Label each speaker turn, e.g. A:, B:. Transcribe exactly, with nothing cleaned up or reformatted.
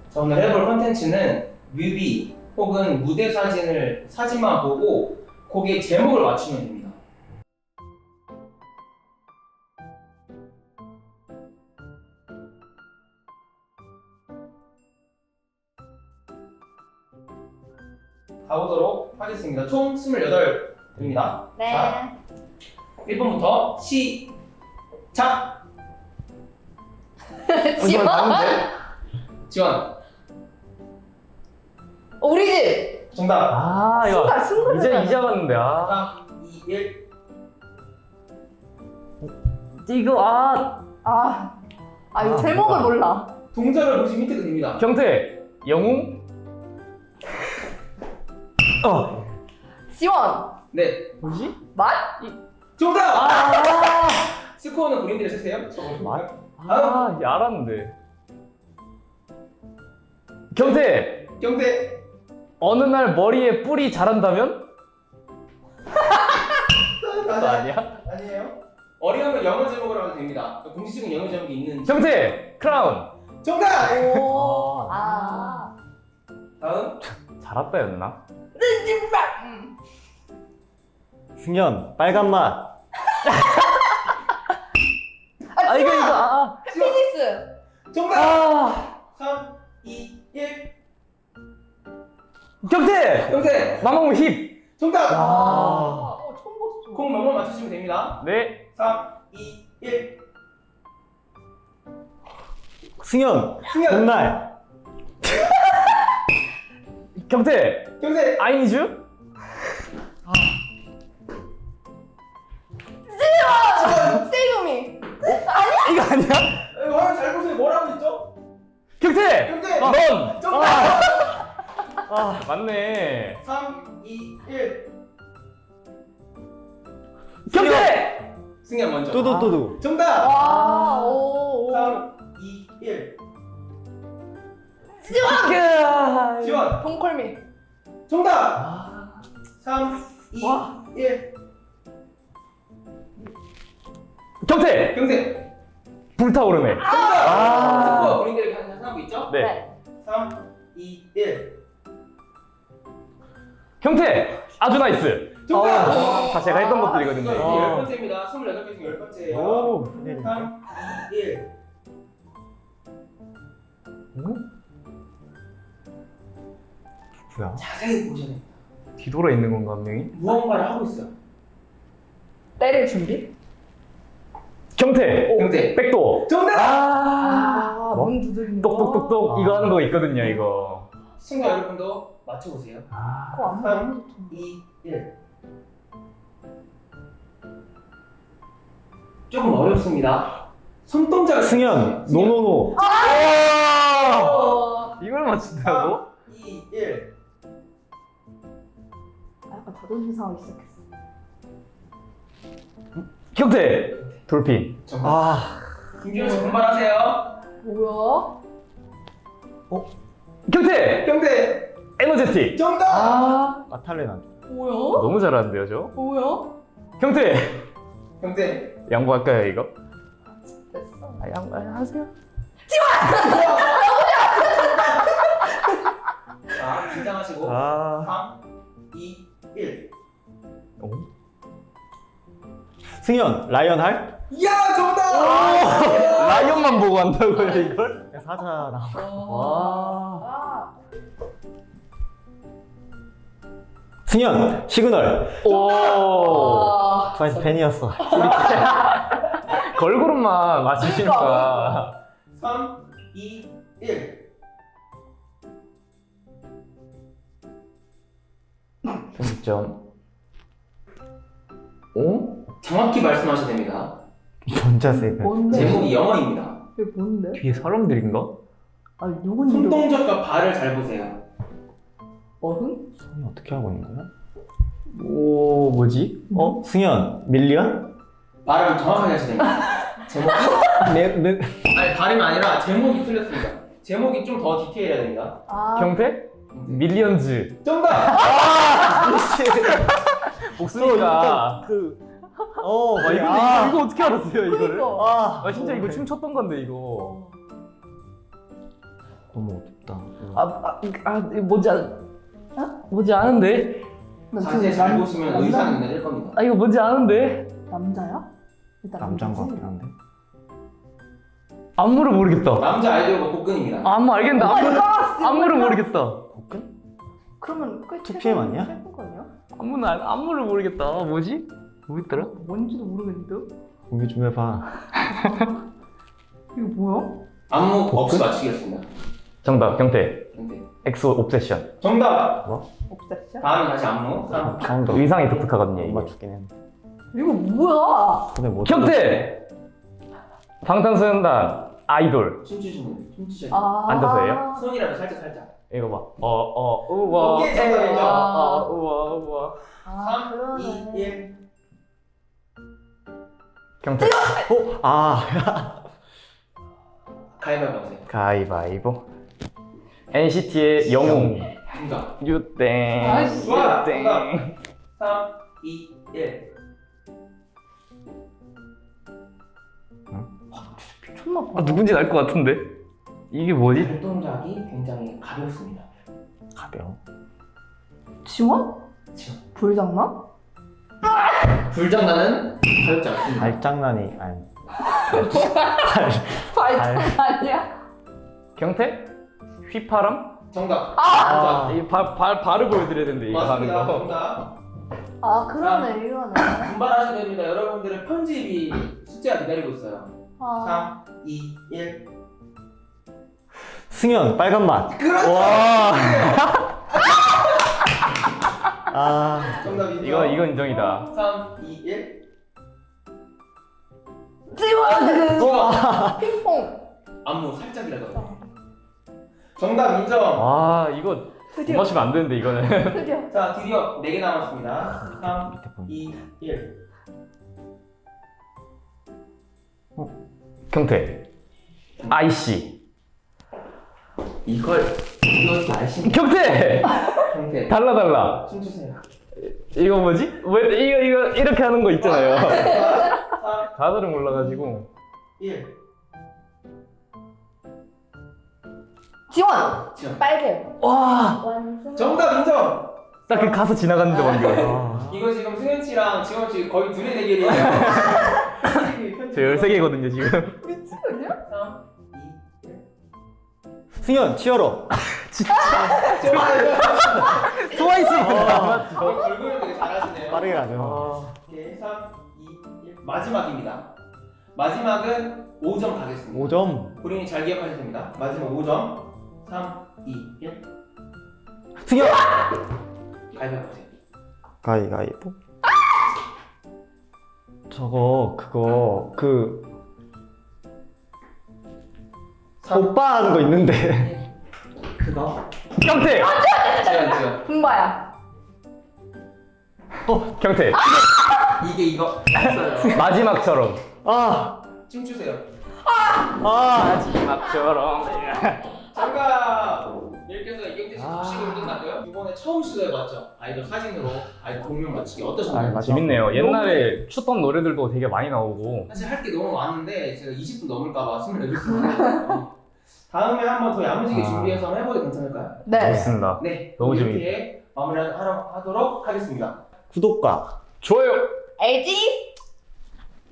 A: 자, 오늘 해볼 컨텐츠는 뮤비 혹은 무대 사진을 사진만 보고 거기에 제목을 맞추면 됩니다. 가보도록 하겠습니다. 총 스물여덟 입니다.
B: 네.
A: 자, 일 번부터 시작!
B: 지원?
A: 지원!
B: 우리 집!
A: 정답!
C: 아 이거
B: 순간, 순간
C: 이제
B: 순간.
C: 이제 봤는데 아
A: 삼, 이, 일.
C: 이거 아
B: 아, 아 이거
C: 아,
B: 제목을
C: 뭐다.
B: 몰라.
A: 동작을 보시면 힌트가 됩니다.
C: 경태 영웅 어
B: 지원!
A: 네.
C: 뭐지
B: 맛?
A: 정답!
C: 아
A: 스코어는 본인들이 쓰세요.
C: 맞? 아 이게 알았는데 경태
A: 경태!
C: 어느 날 머리에 뿔이 자란다면 그거 아니야
A: 아니에요. 어려우면 영어 제목으로 하면 됩니다. 공식적인 영어 제목이 있는.
C: 경태 크라운
A: 정답!
B: 오, 아.
A: 다음.
C: 잘했다였나
B: 음.
D: 승현 빨간 맛.
C: 아 이거 이거 아
B: 피니스!
A: 정답!
C: 아
A: 삼, 이, 일.
C: 경태
A: 경태!
C: 마마무 힙
A: 정답!
C: 아.
B: 어, 처음 봤어.
A: 공 몇번 맞추시면 됩니다.
C: 네
A: 삼, 이, 일.
D: 승현
A: 승현!
D: 봄날.
C: 경태
A: 경태!
C: 아이니즈
B: 세이오미!
C: 이거 아니야
A: 에, 화면 잘 보세요. 뭐라고 있죠?
C: 경태
A: 경태!
C: 넌
A: 정답!
C: 아 맞네
A: 삼, 이, 일.
C: 경태
A: 승현 먼저.
D: 뚜두뚜두.
A: 정답!
B: 와, 오, 오.
A: 삼, 이, 일.
C: 지원
A: 지원!
B: 동컬미.
A: 정답! 삼, 이,
B: 와.
A: 일.
C: 경태
A: 경태!
C: 불타오르네
A: 정답!
C: 아.
A: 스코어 본인들이 하고 있죠?
C: 네
A: 삼, 이, 일.
C: 경태 아주 나이스
A: 정답!
C: 어, 다 제가 했던 것들이거든요
A: 이거
D: 아.
A: 열 번째입니다. 스물여덟 개 중 열 번째예요.
D: 오.
A: 삼, 이, 일.
D: 뭐야?
A: 자세히 보셔야 돼요.
C: 뒤돌아 있는 건가 한 명이?
A: 무언가를 하고 있어요.
B: 때릴 준비?
C: 경태
A: 경태!
C: 백도
A: 정답!
B: 아,
C: 뭐?
B: 문 두드리는
C: 똑똑똑똑
D: 아.
C: 이거 하는 거 있거든요 이거
A: 시청자 여러분도 맞춰보세요.
B: 그거 안
A: 삼,
B: 너무 좋다.
A: 이, 일. 조금 어렵습니다. 손동작을
D: 승현
A: 승현.
D: 노노노.
B: 어.
C: 이걸 맞춘다고?
A: 삼, 이, 일.
B: 아, 약간 자존심 상하기 시작했어.
C: 경태 돌핀
A: 정답.
D: 아
A: 김기현 씨 분발하세요.
B: 뭐야?
C: 경태
A: 경태!
C: 에너제틱
A: 정답!
C: 아
D: 아탈레난.
B: 뭐야?
C: 너무 잘하는데요 저
B: 뭐야?
C: 경태
A: 경태!
C: 양보할까요 이거?
B: 됐어.
C: 아 양보하세요
A: 자, 긴장하시고.
D: 아
A: 삼, 이, 일.
C: 어?
D: 승현 라이언 할.
A: 야, 정답!
C: 라이언만 보고 한다고요 이걸?
D: 사자 나.
C: 와
B: 아,
D: 승현 시그널.
C: 오
B: 아.
D: 트와이스 팬이었어.
C: 걸그룹만 맞추시니까
A: 삼, 이, 일.
C: 편집점 어?
A: 정확히 말씀하셔야 됩니다.
D: 전자 세이브.
B: 뭔데?
A: 제목이 영어입니다.
B: 이게 뭔데?
C: 뒤에 사람들인가?
B: 아니 누군지
A: 손동작과 발을 잘 보세요.
B: 어흥?
D: 승현 어떻게 하고 있는 거야?
C: 오 뭐지?
D: 어 승현 밀리언?
A: 발음을 정확하게 하셔야 됩니다. 제목.
D: 네 네.
A: 아니, 발음이 아니라 제목이 틀렸습니다. 제목이 좀 더 디테일해야 됩니다.
B: 아,
C: 경태? 밀리언즈
A: 정답!
C: 복수니까
D: 그. 어
C: 아, 이거,
D: 아.
C: 이거, 이거 어떻게 알았어요 이거를?
B: 그러니까.
D: 아,
C: 아 진짜 이거 춤췄던 건데 이거
B: 어.
D: 너무 어렵다.
C: 아, 아, 아 이거 뭔지 아, 아 뭔지 아는데?
B: 나
A: 자세히
B: 지금
A: 잘
B: 남-
A: 보시면
B: 남자-
A: 의사는 눈에 띌 겁니다.
C: 아 이거 뭔지 아는데?
B: 남자야? 일단
D: 남자인 것
B: 남자지?
D: 같긴 한데.
C: 안무를 모르겠다.
A: 남자 아이돌 복근입니다.
C: 안무 알겠는데
B: 오 마이
C: 안무를,
B: 갓!
C: 안무를 모르겠다.
D: 복근?
B: 그러면 꽤
D: 투피엠
B: 최근-
D: 아니야?
B: 최근 거 아니야?
C: 안무는 알- 안무를 모르겠다. 뭐지? 뭐였더라?
B: 뭔지도 모르겠는데?
D: 공개 좀 해봐.
B: 이거 뭐야?
A: 안무 없이 맞추겠습니다.
C: 정답 경태.
A: 근데
C: 엑소 옵세션.
A: 정답.
B: 옵세션?
A: 다음 다시 안무. 삼.
D: 처음도
C: 의상이 독특하거든요.
D: 못
C: 이게.
D: 맞추긴 했는데.
B: 이거 뭐야?
D: 근데 못
C: 경태. 방탄소년단 아이돌.
A: 춤추시는 춤추셔야
B: 아
C: 앉아서예요?
A: 손이라도 살짝 살짝.
C: 이거 봐. 어어 우와.
A: 오케이, 정답이죠.
C: 어, 어, 우와 우와.
B: 아
A: 삼, 이,
B: 그러네.
A: 일.
C: 경태.
D: 어? 아.
A: 가위바위보 하세요.
C: 가위바위보. 엔시티의 영웅.
A: 정답.
C: 유땡.
B: 아이씨.
A: 좋아,
C: 유땡.
A: 삼, 이, 일.
B: 미쳤나 봐.
C: 아 누군지 알 것 같은데. 이게 뭐지?
A: 발동작이 굉장히 가볍습니다.
D: 가벼워.
B: 지원?
A: 지원.
B: 불장난?
A: 불장난은 가볍지 않습니다.
D: 발장난이 아니.
B: 발장난 아니야?
C: 경태? 휘파람?
A: 정답.
C: 아,
A: 정답.
C: 이 발, 발, 발을 보여드려야 되는데 이거 하는
A: 맞습니다.
C: 거.
A: 정답.
B: 아 그러네 이거네.
A: 분발하셔야 됩니다. 여러분들의 편집이 숙제가 기다리고 있어요.
B: 아
A: 삼, 이, 일.
D: 승현 빨간 맛.
A: 그렇죠.
C: 와,
D: 아.
A: 정답 인정.
C: 이거 이거 인정이다.
A: 삼, 이, 일.
B: 지원!
A: 우와.
B: 핑퐁.
A: 안무 살짝이라도. 정답 인정.
C: 와, 이거 못
B: 드디어
C: 맞추면 안 되는데 이거는.
B: 드디어.
A: 자, 드디어 네 개 남았습니다. 삼,
D: 밑에 보니.
A: 이, 일.
C: 경태. 아이씨.
A: 이걸 이것도 아시는
C: 경태.
A: 형태.
C: 달라 달라.
A: 춤추세요.
C: 이거 뭐지? 왜 이거 이거 이렇게 하는 거 있잖아요.
A: 삼,
C: 가사를 몰라가지고.
A: 일.
B: 지원!
A: 지원.
B: 빨개.
C: 와,
B: 완성.
A: 정답 인정.
C: 딱 그 가사 지나갔는데 방금.
D: 아.
A: 이거 지금 승현 씨랑 지원 씨 거의 둘의 대결이에요.
C: 저 열세 개거든요 지금.
B: 미치겠냐?
A: 삼, 이, 일.
D: 승현 치어로.
C: 트와이스.
D: 아.
A: 결국은 되게 잘하시네요.
D: 빠르게 가죠.
C: 아,
A: 오케이, 삼, 이, 일. 마지막입니다. 마지막은 오 점 가겠습니다.
D: 오 점.
A: 본인이 잘 기억하셔야 됩니다. 마지막 오 점. 삼, 이, 일.
D: 승현.
A: 가위바위보 하세요.
D: 가위가위보. 저거 그거 그
A: 삼,
D: 오빠 하는 거 있는데.
A: 일. 그거.
C: 경태.
A: 지원, 지원.
B: 분바야.
C: 어, 경태.
A: 이게 이거. 있어요.
C: 마지막처럼.
D: 아.
A: 춤추세요.
D: 아.
C: 마지막처럼.
A: 잠깐. 이렇게 해서 이경태 씨
C: 아.
A: 복식으로 끝났고요. 이번에 처음 시도해봤죠. 아이돌 사진으로 아이돌 공명 맞추기 어떠셨나요?
D: 아, 맞아.
C: 재밌네요. 옛날에 추던 노래들도 되게 많이 나오고.
A: 사실 할 게 너무 많은데 제가 이십 분 넘을까봐 스물여덟 분 했거든요. 다음에 한번 더 야무지게
D: 아.
A: 준비해서 한번 해봐도 괜찮을까요?
B: 네.
C: 좋습니다.
A: 네,
C: 너무
A: 이렇게 마무리하도록 하겠습니다.
D: 구독과
C: 좋아요.
B: 알지?